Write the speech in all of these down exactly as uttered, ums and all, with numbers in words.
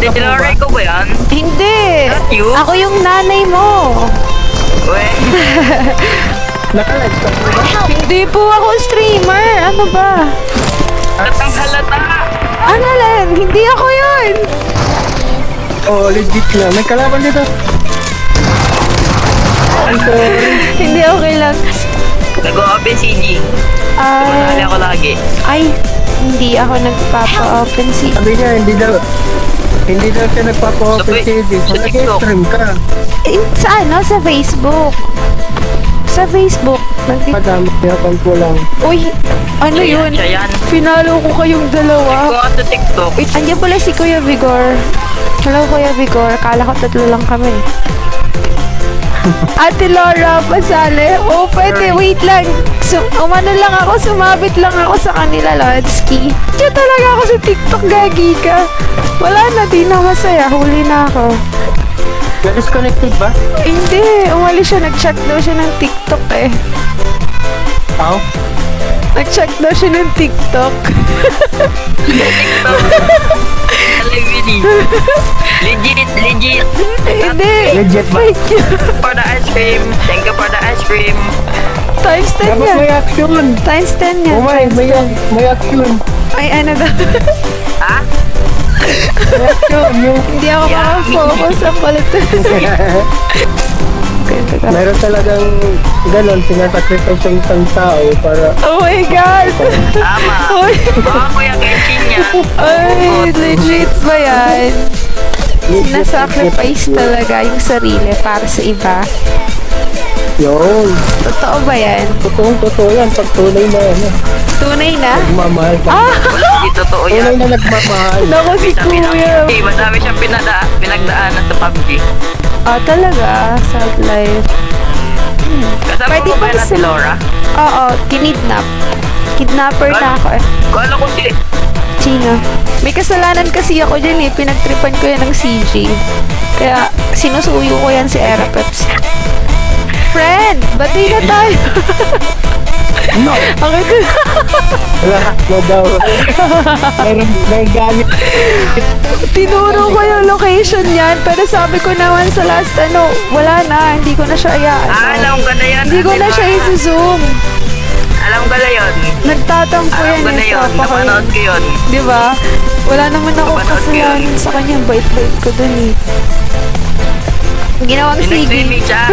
Ate ka po ba? Laura, ko ba yan? Hindi. Not you? Ako yung nanay mo. Uwe. Naka-live ka po ba? Hindi po ako streamer. Ano ba? Halatang halata. Ano lang? Hindi ako yun. Oh, legit na. May kalaban dito. I'm sorry. Hindi, okay lang. Nag-o-open C G. Ah, Tumanali ako lagi. ay, hindi ako nagpapa-open si... Sabi niya, hindi daw, hindi daw siya nagpapa-open Sa- C D. sa So, TikTok. nag-stream ka. Eh, sa ano? Sa Facebook. Sa Facebook. Nag- Madami yapan ko lang. Uy, ano Siya yun? yan, siya yan. Pinalo ko kayong dalawa. Kung ako sa TikTok. Wait, andyan pala si Kuya Vigor. Hello, Kuya Vigor. Kala ko tatlo lang kami. Ate Laura, pasali. Oh, pwede. Wait lang. So, umano lang ako. Sumabit lang ako sa kanila, Lodsky. Diyo talaga ako sa TikTok, gagi ka. Wala na, di na masaya. Huli na ako. Na-disconnected ba? Hindi. Umalis siya. Nag-check daw siya ng TikTok eh. How? Nag-check daw siya ng TikTok. TikTok. Alivini. Legit, legit. Hindi. Legit ba? Fake yun. For the ice cream. Thank you for the ice cream. Times ten Dapat yan. may action. Times ten yan. Oh my, Times may, ten. may action. Ay, ano daw. Ha? May action. Yung... Hindi ako Yeah. makafocus sa kulit. Meron talagang ganon, sinasacrifice yung isang tao para... Oh my God! Tama. Uy! Baka Kuya Kenshin yan. Ay, legit ba yan? Sinasacrifice talaga yung sarili para sa iba. Yun. Totoo ba yan? Totoong totoo yan. Pag tunay na yan. eh. Tunay na? Nagmamahal ka. Ah! Wala, hindi totoo Tunay yan. na nagmamahal. Naku si Sabi ng Kuya. eh, madami siyang pinada, pinagdaanan sa P U B G. Ah, talaga? Sad life. Kasama Pwede mo ba ba yan si sa- Laura? Oo, kinidnap. Kidnapper na ako eh. Kala ko si... Sino? May kasalanan kasi ako dyan eh. Pinagtripan ko yan ng C J. Kaya sinusuyo ko yan si Erapeps. Friend! Bati na tayo! No! Okay ko. Wala. No daw. Meron, may gamit. Tinuro ko yung location niyan. Pero sabi ko naman sa last ano, wala na. Hindi ko na siya ayaan. Ah, alam ko na yan. Hindi ko Ate na siya Laura. i-zoom. Alam ko na yun. Nagtatampo Alam yan ko na eh. yun. Papa ko Napanood yun. ko yun. Di ba? Wala naman ako Napanood ko kasalanan yun. sa kanya. Bait-bait ko dun eh. Ginawang sige. Sinag-swimming siya.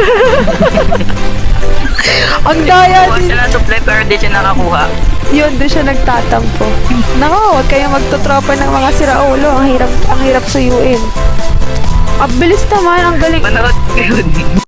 Ang daya Kuha din. siya ng supply pero di siya nakakuha. Yun, doon siya nagtatampo. Nako, huwag kayong magtutropa ng mga siraulo. Ang hirap, ang hirap suyuin. Ang bilis naman, ang galing. Manood ko yun.